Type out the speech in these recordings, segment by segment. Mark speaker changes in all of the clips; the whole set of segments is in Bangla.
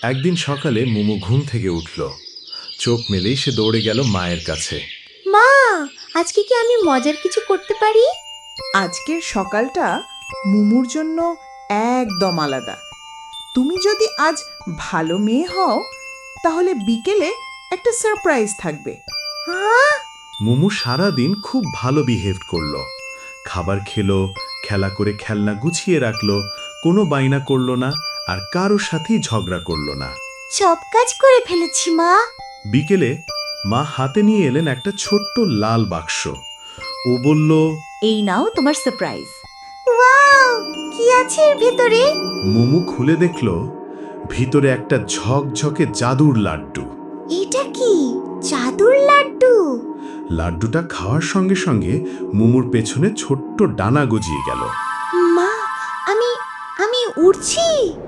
Speaker 1: একদিন সকালে মুমু ঘুম থেকে উঠল। চোখ মেলেই সে দৌড়ে গেল মায়ের কাছে।
Speaker 2: মা, আজকে কি আমি মজার কিছু করতে পারি?
Speaker 3: আজকের সকালটা মুমুর জন্য একদম আলাদা। তুমি যদি আজ ভালো মেয়ে হও তাহলে বিকেলে একটা সারপ্রাইজ থাকবে।
Speaker 2: হ্যাঁ?
Speaker 1: মুমু সারাদিন খুব ভালো বিহেভ করলো। খাবার খেলো, খেলা করে খেলনা গুছিয়ে রাখলো, কোনো বাইনা করলো না, আর কারোর সাথেই ঝগড়া করলো না।
Speaker 2: সব কাজ করে ফেলেছি মা।
Speaker 1: বিকেলে মা হাতে নিয়ে এলেন একটা ছোট্ট লাল বাক্স। ও বলল,
Speaker 2: এই নাও তোমার সারপ্রাইজ। ওয়াও, কি আছে এর ভেতরে?
Speaker 1: মুমু খুলে দেখল ভিতরে একটা ঝকঝকে জাদুর লাড্ডু।
Speaker 2: এটা কি জাদুর লাড্ডু?
Speaker 1: লাড্ডুটা খাওয়ার সঙ্গে সঙ্গে মুমুর পেছনে ছোট্ট ডানা গজিয়ে গেল।
Speaker 2: মা, আমি আমি উড়ছি।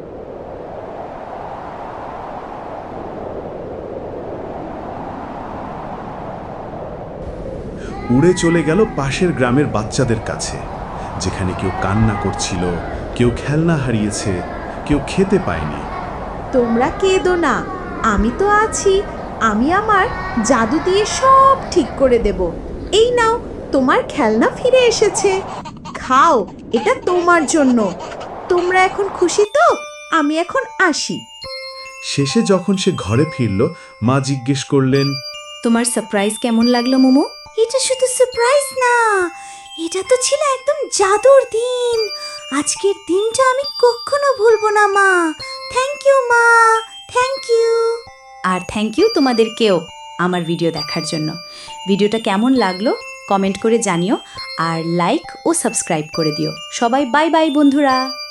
Speaker 1: উড়ে চলে গেল পাশের গ্রামের বাচ্চাদের কাছে, যেখানে কেউ কান্না করছিল, কেউ খেলনা হারিয়েছে, কেউ খেতে পায়নি।
Speaker 3: তোমরা কেঁদো না, আমি তো আছি। আমি আমার জাদু দিয়ে সব ঠিক করে দেব। এই নাও, তোমার খেলনা ফিরে এসেছে। খাও, এটা তোমার জন্য। তোমরা এখন খুশি তো? আমি এখন আসি।
Speaker 1: শেষে যখন সে ঘরে ফিরল, মা জিজ্ঞেস করলেন,
Speaker 2: তোমার সারপ্রাইজ কেমন লাগলো মোমো? এটা শুধু সারপ্রাইজ না, এটা তো ছিল একদম জাদুর দিন। আজকের দিনটা আমি কখনো ভুলবো না মা। থ্যাংক ইউ মা, থ্যাংক ইউ। আর থ্যাংক ইউ তোমাদেরকেও আমার ভিডিও দেখার জন্য। ভিডিওটা কেমন লাগলো কমেন্ট করে জানিও, আর লাইক ও সাবস্ক্রাইব করে দিও। সবাই বাই বাই বন্ধুরা।